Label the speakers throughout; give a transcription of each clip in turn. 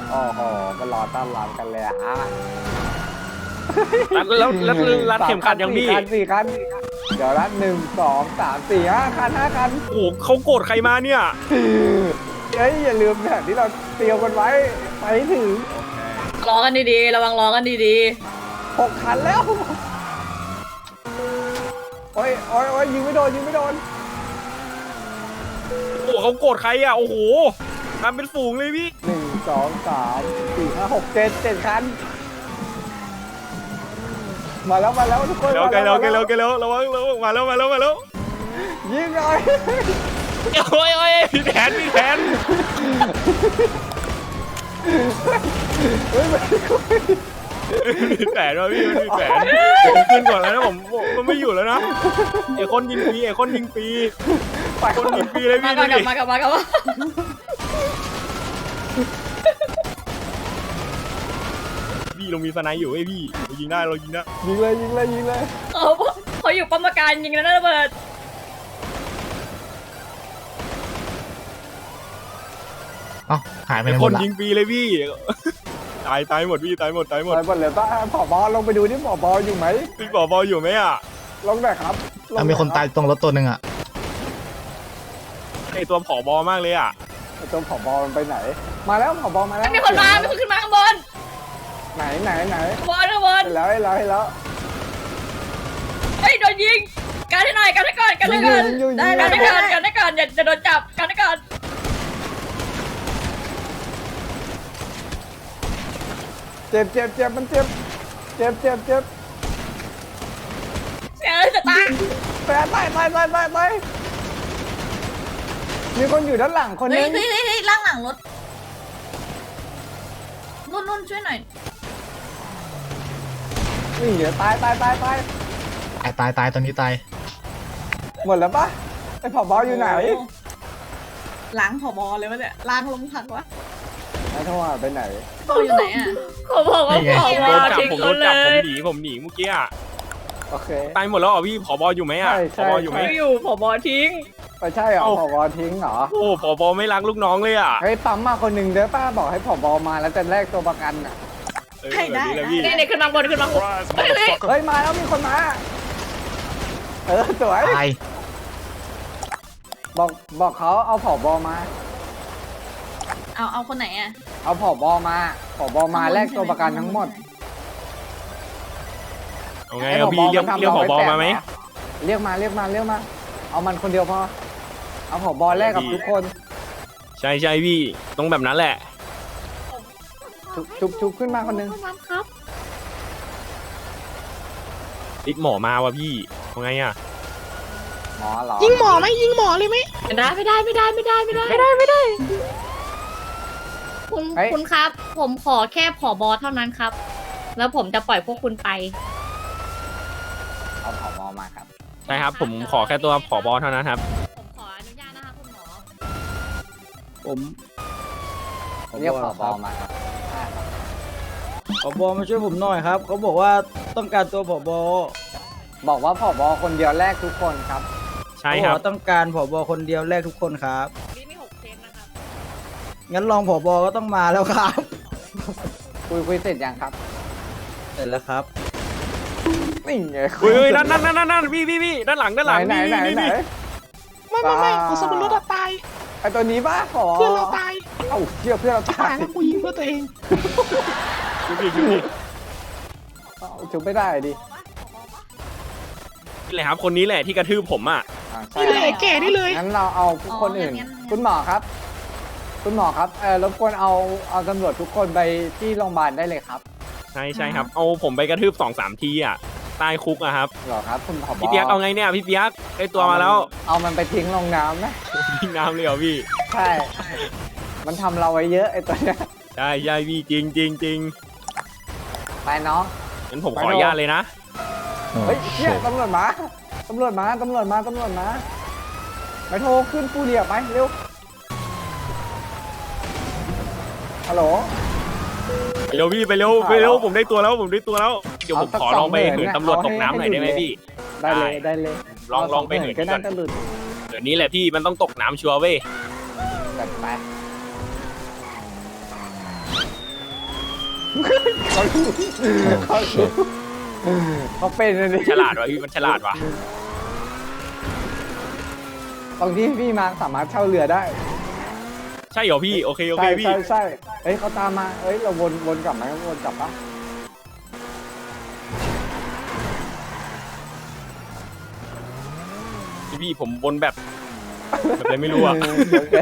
Speaker 1: โอ้โหมันรอต้อนรับกันเลยอะฮะ
Speaker 2: แล้วรัดเข็มขัดยังพี่
Speaker 1: สี่คันเดี๋ยวละ5 คัน
Speaker 2: โอ้โหเขาโกรธใครมาเนี่ย
Speaker 1: เฮ้ยอย่าลืมแบบที่เราเตรียมกันไว้ไปให้ถึง
Speaker 3: รอกันดีๆระวังรอกันดี
Speaker 1: 6 คันแล้วโอ้ยยิงไม่โดน
Speaker 2: โอ้โหเขาโกรธใครอ่ะโอ้โหทำเป็นฝูงเลยพี่
Speaker 1: 1 2 3 4 5 6 7 คันมาแล้วทุกคน
Speaker 2: เร็วไกลเร็วระวังมาแล้ว
Speaker 1: ยิงหน่อย
Speaker 2: โอ้ยพี่แผน
Speaker 1: เฮ้ยมัน
Speaker 2: มีแผนว่ะพี่มันมีแผนผมขึ้นก่อนแล้วนะผมไม่อยู่แล้วนะไอ้คนยิงฟรีคนยิงฟรีเลย
Speaker 3: ๆ
Speaker 2: พี่
Speaker 3: มา
Speaker 2: ดู
Speaker 3: กลั
Speaker 2: ดิ
Speaker 3: บมา
Speaker 2: พี่เรามีสไนด์อยู่ไอ้พี่เรายิงได้
Speaker 1: ยิงเลย
Speaker 3: เขาอยู่ป้อมปราการยิงแล้วนะระเบิด
Speaker 4: เอ้าหายไปไห
Speaker 2: ไอ้
Speaker 4: นห
Speaker 2: ค
Speaker 4: ม
Speaker 2: น
Speaker 4: ดละ
Speaker 2: ยิงฟรีเลยพี่ตายหมดพี่ตายหมด
Speaker 1: ไปหมดเลยป้าผอบอลงไปดูที่ผอบออยู่ไหม
Speaker 2: พี่บออยู่ไหมอ่ะ
Speaker 1: ลงหน่อยครับ
Speaker 4: เอามีคนตายตรงรถตัวหนึ่งอ่ะ
Speaker 2: ไอตัวผอบอมากเลยอ่ะ
Speaker 1: ไอ้ตัวผอบอมันไปไหน มาแล้วผอบอมาแล้ว
Speaker 3: มีคนขึ้นมาข้างบน
Speaker 1: ไหน
Speaker 3: ข้างบน
Speaker 1: เห็นแล้ว
Speaker 3: เฮ้ยโดนยิงกันให้หน่อยกันให้ก่อนกันให้ก่อนอย่าโดนจับกันให้ก่อน
Speaker 1: เจ็บมันเจ็บ
Speaker 3: เสียจะตาย
Speaker 1: ไปมีคนอยู่ด้านหลังคนนึง
Speaker 3: ล่างหลังรถนุ่นช่วยหน่อย
Speaker 1: นี่เดี๋ยวตาย
Speaker 4: ตายตอนนี้ตาย
Speaker 1: หมดแล้วปะไอ้ผอบออยู่ไหน
Speaker 5: ล้างผบเลยวะเนี่ยล้างลงพักวะ
Speaker 1: ไอ้โทรหาไปไหน
Speaker 5: โตอยู่ไหนอ่ะ
Speaker 3: เขาบอกว่าผอ
Speaker 2: โดนจับ
Speaker 3: ทิ้ง
Speaker 2: ผมโด
Speaker 3: เขา
Speaker 2: น
Speaker 3: เล
Speaker 2: จับผม
Speaker 3: ย
Speaker 2: หนีเมื่อกี้อ่ะ
Speaker 1: โอเค
Speaker 2: ตายหมดแล้วเหรอพี่ผอบออยู่ไหมอ่ะ
Speaker 1: ใช่
Speaker 2: ผอบออยู่ไหม
Speaker 3: ไม่อยู่ผอทิ้ง
Speaker 1: ไปใช่เหรอ
Speaker 2: เอ้า
Speaker 1: ผอบอทิ้งเหรอ
Speaker 2: โอ้ผอบอไม่รักลูกน้องเลยอ่ะ
Speaker 1: เฮ้ยปั๊มมาคนหนึ่งเด้อป้าบอกให้ผอบอมาแล้วจะแลกตัวประกันอ่ะ
Speaker 2: แบบนี้แหละพี่
Speaker 3: นี่ขึ้นมาบนขึ้นมาบน
Speaker 1: เฮ้ยมาแล้วมีคนมาสวย
Speaker 4: ตาย
Speaker 1: บอกเขาเอาผอบอมา
Speaker 5: เอาคนไหนอ่ะ
Speaker 1: เอาผอบอมาแลกตัวประกันทั้งหมด
Speaker 2: เอาไงเอาพี่เรียกผอบอมาไหม
Speaker 1: เรียกมาเอามันคนเดียวพอเอาผอบอแลกกับทุกคน
Speaker 2: ใช่พี่ต้องแบบนั้นแหละ
Speaker 1: ชุบขึ้นมาคนหนึง
Speaker 3: ครับ
Speaker 2: ติดหมอมาว่ะพี่เอาไงอ่ะ
Speaker 1: หมอเหรอ
Speaker 6: ยิงหมอไหมยิงหมอเลยไหม
Speaker 3: ไม่ได้คุณครับ ผมขอแค่ผอบอเท่านั้นครับ แล้วผมจะปล่อยพวกคุณไป
Speaker 1: เอาผอบอมาครับ
Speaker 2: ใช่ครับผมขอแค่ตัวผอบอเท่านั้นครับ
Speaker 3: ผมขออนุญาตนะคะคุณหมอ
Speaker 7: ผม
Speaker 1: เรียกผอบอมาครับ
Speaker 7: ผบมาช่วยผมหน่อยครับเขาบอกว่าต้องการตัวผบ
Speaker 1: บอกว่าผอบอคนเดียวแลกทุกคนครับ
Speaker 2: ใช่
Speaker 7: เขา
Speaker 2: ค
Speaker 7: บอ
Speaker 2: รั
Speaker 7: ก
Speaker 2: บ
Speaker 7: ว่าต้องการผบคนเดียวแลกทุกคนครับ
Speaker 3: นี่มี6 เคสนะครับ
Speaker 7: งั้นรองผบก็ต้องมาแล้วครับ
Speaker 1: คุยเสร็จยังครับ
Speaker 7: เสร็จแล้วครับ
Speaker 1: นี่ไง
Speaker 2: เฮ้ยนั่นพี่ด้านหลัง
Speaker 1: ไหน
Speaker 2: นี่
Speaker 6: ไม่ของสมรสอะตาย
Speaker 1: ไอตัวนี้ป่ะผอ
Speaker 6: เพื่อนเราตาย
Speaker 1: เอ้าเชื่อเพื่อนเรา
Speaker 6: ตา
Speaker 1: ตาย ย
Speaker 6: แล้วกูยิงเพื่อตัวเอง
Speaker 2: พี่
Speaker 1: เอ้าชุบไม่ได้ดิ
Speaker 2: นี่แหละครับคนนี้แหละที่กระทืบผมอ่ะ
Speaker 1: ใช่
Speaker 6: นี่เลยแก่นี่เลย
Speaker 1: งั้นเราเอาคนอื่น คุณหมอครับ รบกวนเอาตำรวจทุกคนไปที่โรงพยาบาลได้เลยครับ
Speaker 2: ใช่ครับเอาผมไปกระทืบ2-3 ทีอ่ะใต้คุกอะครับ
Speaker 1: เหรอครับคุณผบ
Speaker 2: พี่เปียกเอาไงเนี่ยพี่เปียกได้ตัวมาแล้ว
Speaker 1: เอามันไปทิ้งลงน้ำนะ
Speaker 2: ทิ้งน้ำเลยเหรอพี่
Speaker 1: ใช่ มันทำเราไว้เยอะไอตัวเนี้ย
Speaker 2: ใช่พี่จริง
Speaker 1: ไปน้อง
Speaker 2: งั้นผมขออนุญาตเลยนะ
Speaker 1: เฮ้ยเชี่ยตำรวจมาไปโทรขึ้นฟูเรียไปเร็ว ฮัลโหล
Speaker 2: ไปเร็วพี่ไปเร็วผมได้ตัวแล้วเดี๋ยวผมขอลองไปเหินตำรวจตกน้ำหน่อยได้ไหมพี่
Speaker 1: ได้เลย
Speaker 2: ลองไปเหิน
Speaker 1: ก็
Speaker 2: ก่อ
Speaker 1: น่าน จะหลุด
Speaker 2: เดี๋ยวนี้แหละพี่มันต้องตกน้ำชัวร์เว้ย
Speaker 1: จัดไปเขารู้เขารู้เขาเป็นเลย
Speaker 2: ฉลาดว่ะพี่มันฉลาดว่ะ
Speaker 1: ตรงที่พี่มาสามารถเช่าเรือได้
Speaker 2: ใช่เหรอพี่โอเคโอเค
Speaker 1: ใช่
Speaker 2: พี่
Speaker 1: ใช่ใช่เฮ้ยเขาตามมาเฮ้ยเราวนกลับไหมวนกลับปะ
Speaker 2: พี่ผมวนแบบอะไรไม่รู้อะ
Speaker 1: โอเค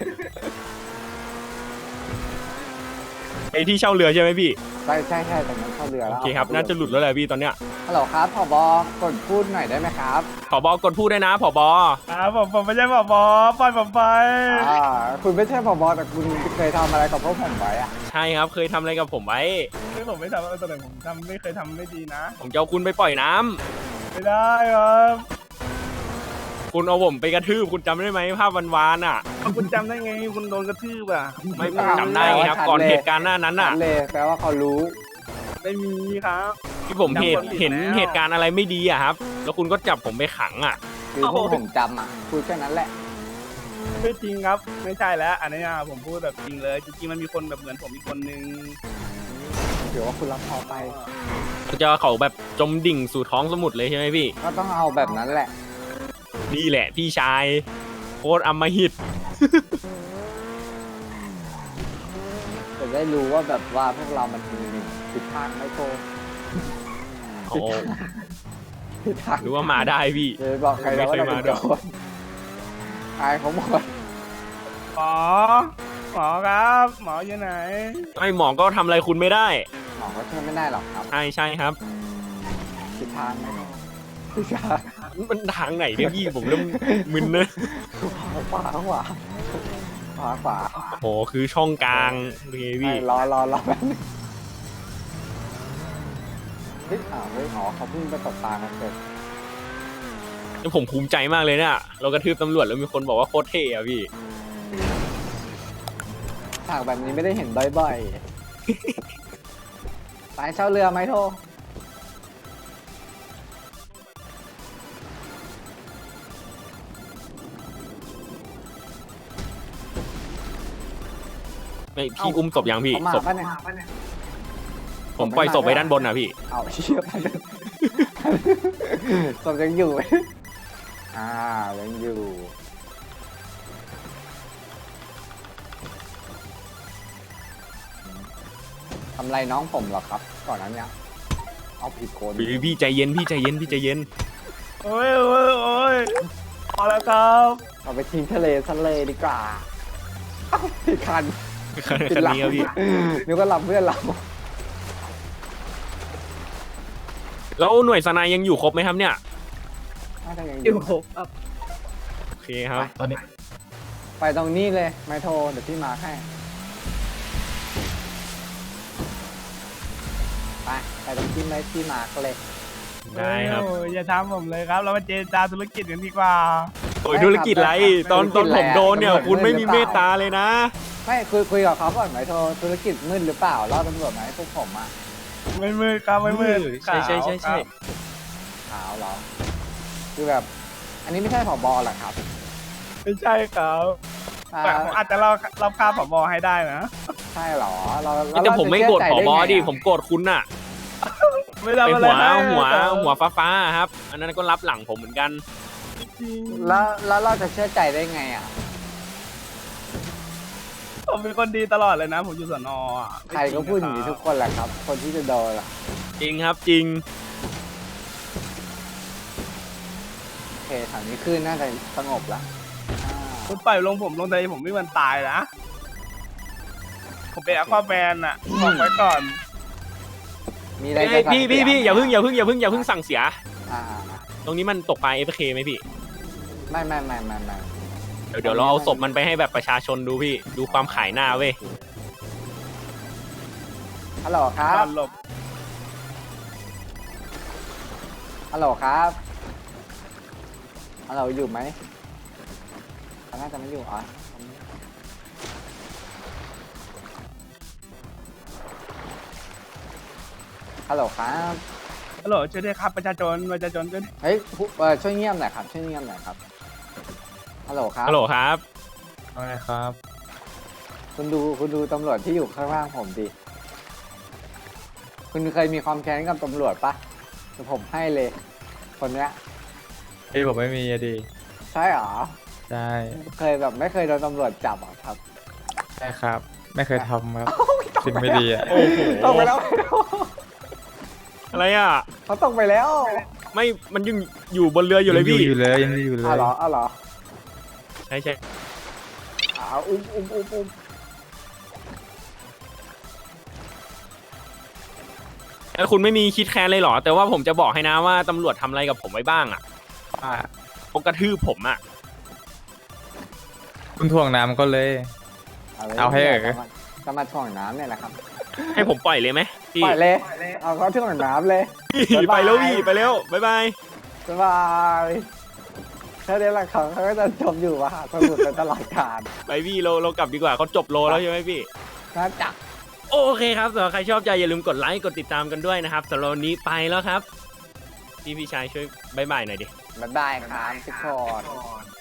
Speaker 2: ไอที่เช่าเรือใช่ไหมพี่
Speaker 1: ใช่ใช่ใช่แต่มันเข้าเรือ
Speaker 2: โอ
Speaker 1: แล้ว
Speaker 2: เคครับน่าจะหลุดแล้วแหละพี่ตอนเนี้ย
Speaker 1: ฮัลโหลครับผบกดพูดหน่อยได้ไหมครับ
Speaker 2: ผบกดพูดได้นะผบ
Speaker 7: ครับผมไม่ใช่ผบปล่อยผมไป
Speaker 1: คุณไม่ใช่ผบแต่คุณเคยทำอะไรกับพวกผมไว้อะ
Speaker 2: ใช่ครับเคยทำอะไรกับผมไว้
Speaker 7: คือผมไม่ทำอะไรแต่ผมไม่เคยทำไม่ดีนะ
Speaker 2: ผมจะเอาคุณไปปล่อยน้ำ
Speaker 7: ไม่ได้ครับ
Speaker 2: คุณเอาผมไปกระทืบคุณจำได้ไหมภาพวานๆอ่ะ
Speaker 7: คุณจำได้ไงคุณโดนกระทืบอ่ะ
Speaker 2: ไม่ผมจำได้ไงครับก่อนเหตุการณ์หน้านั้นอ่ะ
Speaker 1: ชัดเลยแปลว่าเขารู้
Speaker 7: ไม่มีครับ
Speaker 2: ที่ผมเห็น
Speaker 7: แล้ว
Speaker 2: เหตุการณ์อะไรไม่ดีอ่ะครับ แล้วคุณก็จับผมไปขังอ่ะ
Speaker 1: คือพวกผมจำอ่ะพูดแค่นั้นแหละ
Speaker 7: ไม่จริงครับ ไม่ใช่แล้ว อันนี้ผมพูดแบบจริงเลย จริงๆมันมีคนแบบเหมือนผมอีกคนนึง
Speaker 1: เดี๋ยวว่าคุณรับพอไป
Speaker 2: จะเขาแบบจมดิ่งสู่ท้องสมุทรเลยใช่ไหมพี่
Speaker 1: ก็ต้องเอาแบบนั้นแหละ
Speaker 2: นี่แหละพี่ชายโคตรอำมหิต
Speaker 1: จะได้รู้ว่าแบบว่าพวกเรามันมีผิดทางไม่โกง
Speaker 2: โอ้
Speaker 1: ผิดทาง
Speaker 2: รู้ว่ามาได้พี่
Speaker 1: เดี๋ยวบอกใครแล้วว่าเราเป็นโจรอายเขาหมด
Speaker 7: หมอครับ หมออยู่ไหน
Speaker 2: ไอหมอก็ทำอะไรคุณไม่ได้
Speaker 1: หมอก็ช่วยไม่ได้หรอกครับ
Speaker 2: ใช่ครับ
Speaker 1: ผิดทางไม่โกงผิดทาง
Speaker 2: มันทางไหนเนี่ยพี่ผมเริ่มมึนนะ
Speaker 1: ขวาขวา
Speaker 2: โอ้คือช่องกลางโอเคพี่
Speaker 1: รอแบบนึงเฮ้ยเฮ้ยอ๋อเขาเพิ่งไปตกปลามาเสร็จ
Speaker 2: แล้วผมภูมิใจมากเลยเนี่ยเรากระทืบตำรวจแล้วมีคนบอกว่าโคตรเท่อะพี่
Speaker 1: ฉากแบบนี้ไม่ได้เห็นบ่อยๆ ไปเช่าเรือไหมโท
Speaker 2: ไม่พี่อุ้มศพยังพี่
Speaker 1: เขามา
Speaker 2: ศพ
Speaker 1: ปะเนี่ย
Speaker 2: ผมปล่อยศพไปด้านบนนะพี่
Speaker 1: เอาเชี่ยไปเลยศพยังอยู่ไหมยังอยู่ทำไรน้องผมเหรอครับ ก่อนนั้นเนี่ยเอาผิดคน
Speaker 2: พี่ใจเย็นพี่ใจเย็นพี่ใจเย็น
Speaker 7: โอ้ยพอแล้วครับ
Speaker 1: เอาไปทิ้งทะเลซะเลยดีกว่าเอ้าผิดคัน
Speaker 2: คันนี้ครับพี่
Speaker 1: นึกว่ารับเพื่อนเรา
Speaker 2: แล้วหน่วยสนายยังอยู่ครบไหมครับเนี่ย
Speaker 1: น่าจะยังอ
Speaker 3: อยู่
Speaker 1: ยู่
Speaker 3: ครบครับ
Speaker 2: โอเคครับ
Speaker 4: ตอนนี้
Speaker 1: ไปตรงนี้เลยไม่โทรเดี๋ยวพี่มาให้ไปตรงที่ไม่พี่มาร์กเลย
Speaker 2: ได้ครับ
Speaker 7: โอ้ยอย่าทำผมเลยครับ เรามาเจรจาธุรกิจกันดีกว่า
Speaker 2: โอ้ยธุรกิจไรตอนผมโดนเนี่ยคุณไม่มีเมตตาเลยนะ
Speaker 1: ไม่คุยกับเขาก่อนไหมโทรธุรกิจมืดหรือเปล่าล่อตำรวจไหมพวกผมอ่ะ
Speaker 7: ไม่มืดครับไม่มืด
Speaker 2: ใช่ใช่ใช่ใช่
Speaker 1: ขาวเหรอคือแบบ อันนี้ไม่ใช่ผบหรอครับ
Speaker 7: ไม่ใช่ครับ
Speaker 1: อ่า
Speaker 7: แต่ผมอาจจะเราฆ่าผบให้ได้นะ
Speaker 1: ใช่เหรอเรา
Speaker 2: แต่ผมไม่โกรธผบดิ
Speaker 1: ไง
Speaker 2: ผมโกรธคุณน่ะ
Speaker 7: ไม่
Speaker 2: ไอ
Speaker 7: ทำอะไร
Speaker 2: หัวฟ้าๆครับ อันนั้นก็รับหลังผมเหมือนกัน
Speaker 7: จริง
Speaker 1: แล้วเราจะเชื่อใจได้ไงอ่ะ
Speaker 7: ผมเป็นคนดีตลอดเลยนะ ผมอยู่สนอ่ะ
Speaker 1: ใครก็พูดอย่างนี้ทุกคนแหละครับ คนที่จะโดนอ่ะ
Speaker 2: จริงครับจริง
Speaker 1: โอเคแถวนี้ขึ้นน่าจะสงบละอ่า
Speaker 7: คุณปล่อยลงผมลงใจผมไม่มันตายนะ ผมเป็นอควาแมนอ่ะบอกไว้ก่อน
Speaker 1: มีอะไร
Speaker 2: เอ้
Speaker 1: จะ
Speaker 2: ยพี่อย่าเพิ่งสั่งเสีย
Speaker 1: อ่า
Speaker 2: ตรงนี้มันตกปลา FK ไหมพี่
Speaker 1: ไม่
Speaker 2: เดี๋ยวเราเอาศพมันไปให้แบบประชาชนดูพี่ ดูความขายหน้าเว้ย
Speaker 1: ฮัลโหลครับ
Speaker 7: หลบ
Speaker 1: ฮัลโหลครับฮัลโหลอยู่ไหมน่าจะไม่อยู่อ๋อฮัลโหลครับ
Speaker 7: ฮัลโหลช่วยด้วยครับประชาชนช่วยด้วย
Speaker 1: เฮ้ยช่วยเงียบหน่อยครับช่วยเงียบหน่อยครับฮัลโหลครับ
Speaker 2: ฮัลโหลครับ
Speaker 7: อะไรครับ
Speaker 1: คุณดูตำรวจที่อยู่ข้างล่างผมดิคุณเคยมีความแค้นกับตำรวจปะเดี๋ยวผมให้เลย คนเนี้ย
Speaker 8: พี่ผมไม่มีอะดี
Speaker 1: ใช่เหรอ
Speaker 8: ใช่
Speaker 1: เคยแบบไม่เคยโดนตำรวจจับเหรอครับ
Speaker 8: ใช่ครับ ไม่เคยทำครับสิ่งไม่ดีอ่ะ
Speaker 2: โอ้โห
Speaker 1: ตกไปแล้ว
Speaker 2: อะไรอ่ะ
Speaker 1: เขาตกไปแล้ว
Speaker 2: ไม่มันยังอยู่บนเรืออยู่เลยพี่
Speaker 8: อยู่เลยยังอยู่เลย
Speaker 1: อ้าวเหรออ้าวเหรอ
Speaker 2: ใช่ใช่
Speaker 1: อุ้ม
Speaker 2: แล้วคุณไม่มีคิดแค้นเลยเหรอ แต่ว่าผมจะบอกให้นะว่าตำรวจทำอะไรกับผมไว้บ้างอ่ะ
Speaker 8: ว่า
Speaker 2: เขากระทืบผมอ่ะ
Speaker 8: คุณถ่วงน้ำก็เลย เอาให้เอ๋อ
Speaker 1: จะมาถ่วงน้ำเนี่ยแหละครับ
Speaker 2: ให้ผมปล่อยเลยไหมพี่
Speaker 1: ปล่อยเลย เอาเขาถ่วงน้ำเลย
Speaker 2: พี่ไปแล้วพี่ไปแล้วบ๊ายบาย
Speaker 1: สบายแค่นี้แหละครับเขาก็จะจมอยู่มหาสมุทรเป็นตลอดกาล
Speaker 2: ไปพี่เรากลับดีกว่าเขาจบโลแล้วใช่ไหมพี่
Speaker 1: น่าจัก
Speaker 2: โอเคครับสำหรับใครชอบใจอย่าลืมกดไลค์กดติดตามกันด้วยนะครับสำหรับวันนี้ไปแล้วครับพี่ชายช่วยบ๊ายบายหน่อยดิ
Speaker 1: บ๊ายบายครับทุกคน